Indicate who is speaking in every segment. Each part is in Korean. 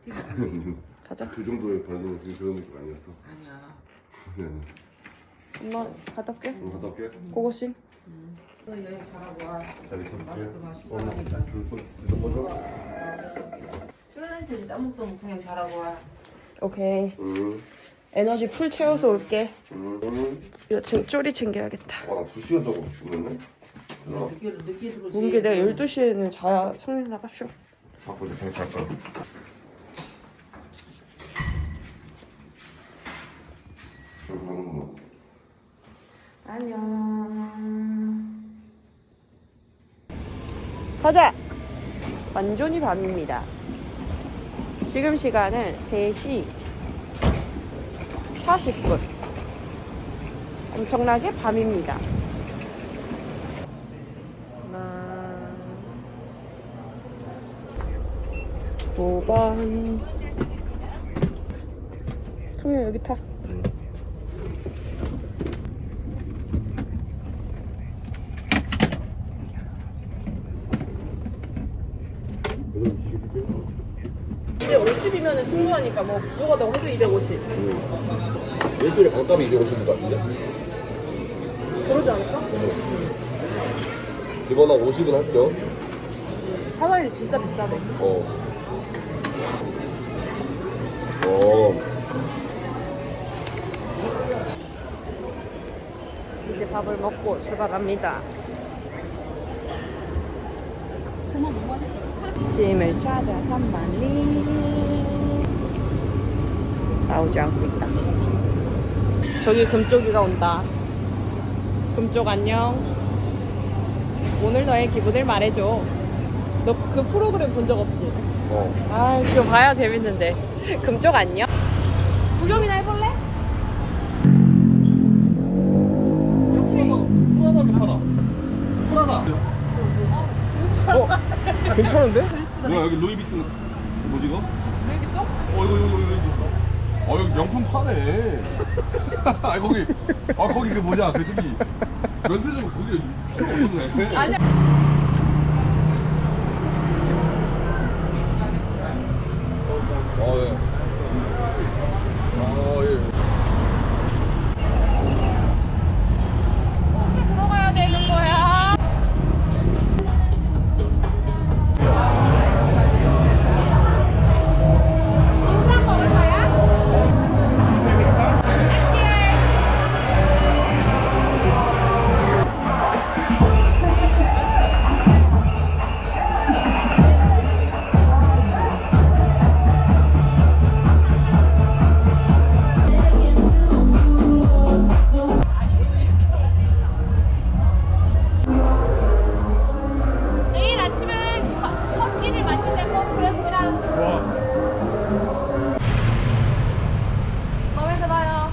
Speaker 1: 가자.
Speaker 2: 그 정도의 반응 그런 느낌 아니었어.
Speaker 3: 아니야.
Speaker 1: 엄마 갔다 올게.
Speaker 2: 갔다 올게.
Speaker 1: 고고싱.
Speaker 3: 너 여행 잘하고 와.
Speaker 2: 잘 있어.
Speaker 3: 마스크 마시고 하니까.
Speaker 2: 불 꺼져.
Speaker 3: 출연한테 땀먹성 그냥 잘하고 와.
Speaker 1: 오케이.
Speaker 2: 응.
Speaker 1: 에너지 풀 채워서 올게.
Speaker 2: 응.
Speaker 1: 이거 쪼리 챙겨야겠다.
Speaker 2: 아, 2시간 자고 죽었네.
Speaker 3: 늦게 들어오지.
Speaker 1: 문게 내가 12시에는 자야 성민 나가쇼.
Speaker 2: 바쁘게 다시 할 거야.
Speaker 1: 안녕. 가자. 완전히 밤입니다. 지금 시간은 3시 40분. 엄청나게 밤입니다. 하나, 5번. 청년 여기 타.
Speaker 2: 응.
Speaker 1: 250이면 충분하니까 뭐 부족하다고 해도 250.
Speaker 2: 일주일에 반값이 250인 것 같은데?
Speaker 1: 그러지 않을까?
Speaker 2: 이번 한 50은 할게요.
Speaker 1: 하와이는 진짜 비싸네. 이제 밥을 먹고 출발합니다. 짐을 찾아 산만리 나오지 않고 있다. 저기 금쪽이가 온다. 금쪽 안녕. 오늘 너의 기분을 말해줘. 너 그 프로그램 본 적 없지? 아, 그거 봐야 재밌는데. 금쪽 안녕. 구경이나 해볼래?
Speaker 2: 프라다. 괜찮은데? 뭐야 여기 루이비통 뭐지 이거? 루이비통? 이거. 여기 명품 파네. 거기 그 뭐냐 그 저기 면세점 거기 필요 없었네.
Speaker 1: 아니야.
Speaker 2: 예. 예.
Speaker 1: 어떻게 들어가야 되는 거야? 인상 먹을 거야? 내일 아침은 커피를 마시자고 브런치랑. 마음에 들어요.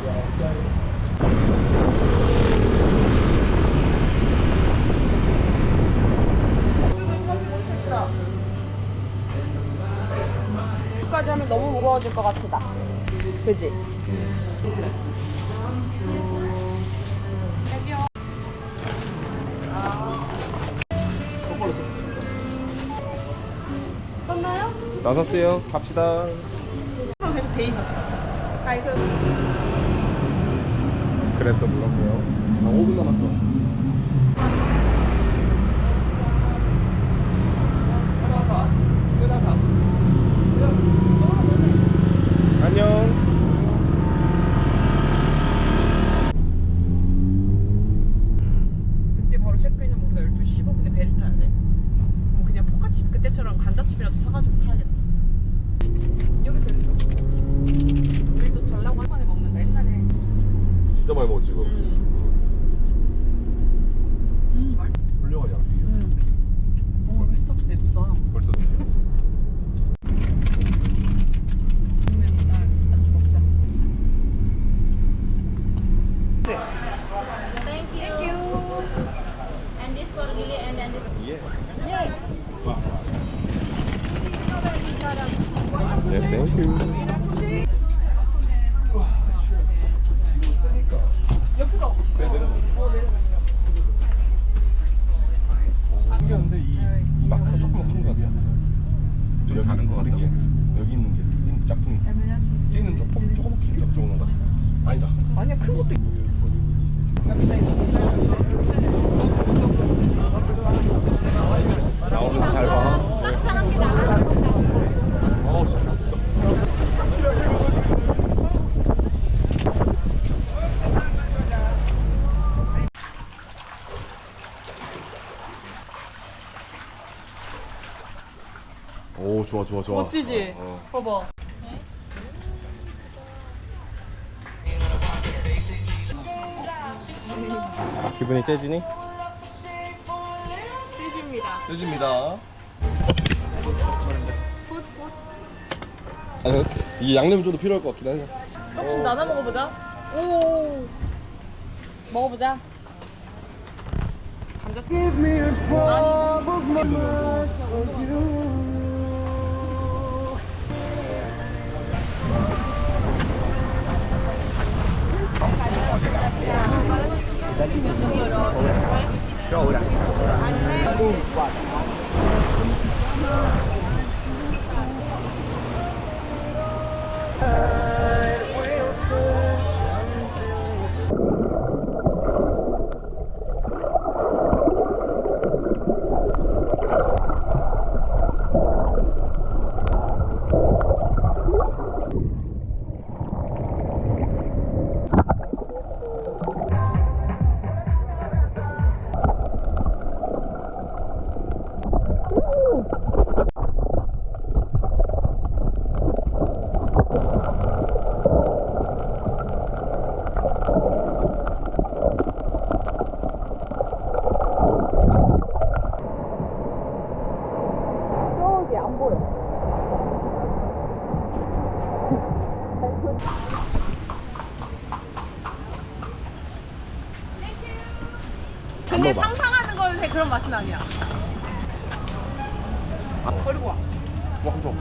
Speaker 1: 여기까지 하면 너무 무거워질 것 같다. 그지? 여기요.
Speaker 2: 똑바로 썼어.
Speaker 1: 떴나요?
Speaker 2: 나섰어요. 갑시다.
Speaker 1: 계속 돼 있었어. 아이 그.
Speaker 2: 그랬던 물었고요. 5분 남았어. 안녕.
Speaker 1: 그때 바로 체크인하면 우리가 12시 15분에 배를 타야 돼. 그럼 그냥 포카칩 그때처럼 감자칩이라도 사가지고 타야겠다. 여기서. 우리도 달라고 할 만에 먹는다 옛날에.
Speaker 2: 진짜 많이 먹었지 이거.
Speaker 1: 맛.
Speaker 2: 훌륭하냐.
Speaker 1: 오 여기 스타벅스 예쁘다.
Speaker 2: 벌써.
Speaker 1: 그러면 일단 안주 먹자. 네.
Speaker 4: Thank you. And this for Lily and then this.
Speaker 2: 예.
Speaker 4: Yay.
Speaker 2: 네, 땡큐.
Speaker 1: 옆으로.
Speaker 2: 네, 내려놓. 신기한데 이 마크가 조금 큰 것 같아요. 좀 다른 것 같아요. 여기 있는 아니다.
Speaker 1: 아니야, 큰 것도 있
Speaker 2: 나오는 거 잘 봐. 진짜. 오, 좋아, 좋아, 좋아.
Speaker 1: 멋지지? 봐봐.
Speaker 2: 기분이 째지니?
Speaker 1: 찌집니다.
Speaker 2: 째집니다. 아니, 이게 양념이 좀 더 필요할 것 같긴 하네.
Speaker 1: 조금씩 나눠 먹어보자. 오. 먹어보자. 감자튀김. 저기 안 보여. 근데 상상하는 거에 그런 맛은 아니야. 버리고 와.
Speaker 2: 뭐, 한 점.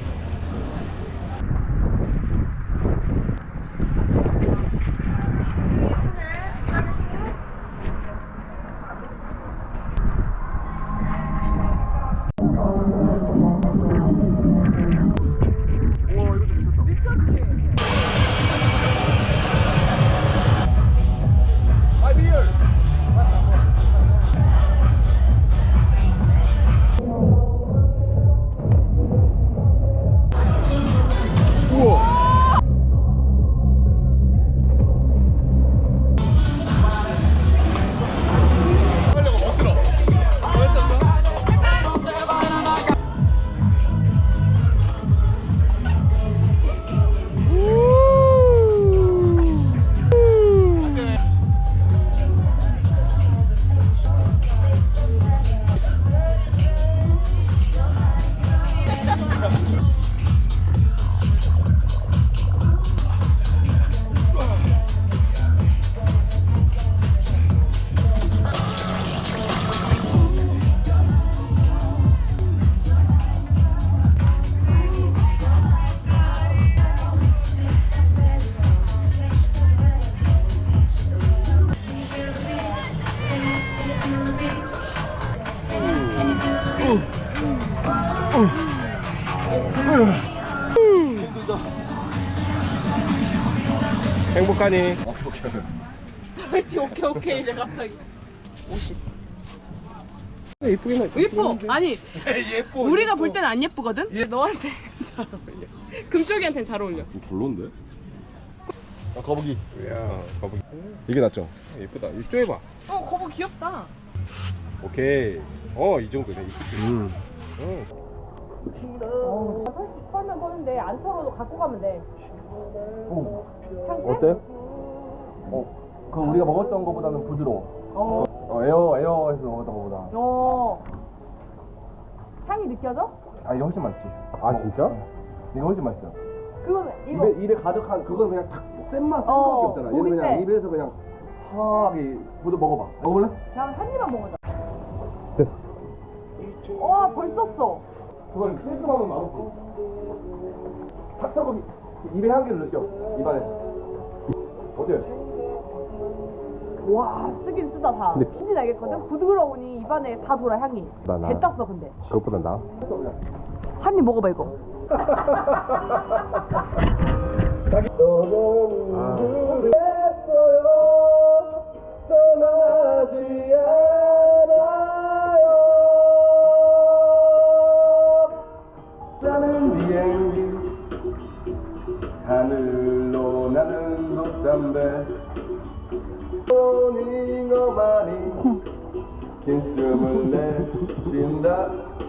Speaker 2: 행복하니?
Speaker 1: 오케이 오케이 이래 갑자기. 50.
Speaker 2: 예쁘긴 해.
Speaker 1: 예뻐. 아니
Speaker 2: 예뻐.
Speaker 1: 우리가 볼 때는 안 예쁘거든. 너한테 잘 어울려. 금쪽이한테는 잘 어울려.
Speaker 2: 좀 별론데? 거북이. 야, 거북이. 이게 낫죠?
Speaker 5: 예쁘다. 이 쪼여봐.
Speaker 1: 거북이 귀엽다.
Speaker 5: 오케이. 이 정도네. 이쁘지.
Speaker 1: 털면 터는데 안 털어도 갖고 가면 돼. 향새?
Speaker 2: 어때? 그 우리가 먹었던 거보다는 부드러워. 에어에서 먹었던 거보다.
Speaker 1: 향이 느껴져?
Speaker 2: 아, 이게 훨씬 맛있지. 아, 진짜? 이게 훨씬 맛있어.
Speaker 1: 그건 이거.
Speaker 2: 입에 가득한 그건 그냥 탁센맛 센 거밖에 없잖아. 얘는
Speaker 1: 고기
Speaker 2: 그냥
Speaker 1: 세.
Speaker 2: 입에서 그냥 하게 모두 먹어봐. 먹을래?
Speaker 1: 그냥 한 입만 먹어자.
Speaker 2: 됐어.
Speaker 1: 벌써 써.
Speaker 2: 그걸 깔끔하면 맛없지. 탁탁하게 입에 향기를 느껴. 입안에. 어때?
Speaker 1: 와 쓰긴 쓰다 다.
Speaker 2: 근데
Speaker 1: 뭔지 알겠거든? 부드러우니 입안에 다 돌아 향이.
Speaker 2: 나.
Speaker 1: 배 땄어 근데.
Speaker 2: 그것보다 나.
Speaker 1: 한 입 먹어봐 이거.
Speaker 2: 자기. 숨을 내쉰다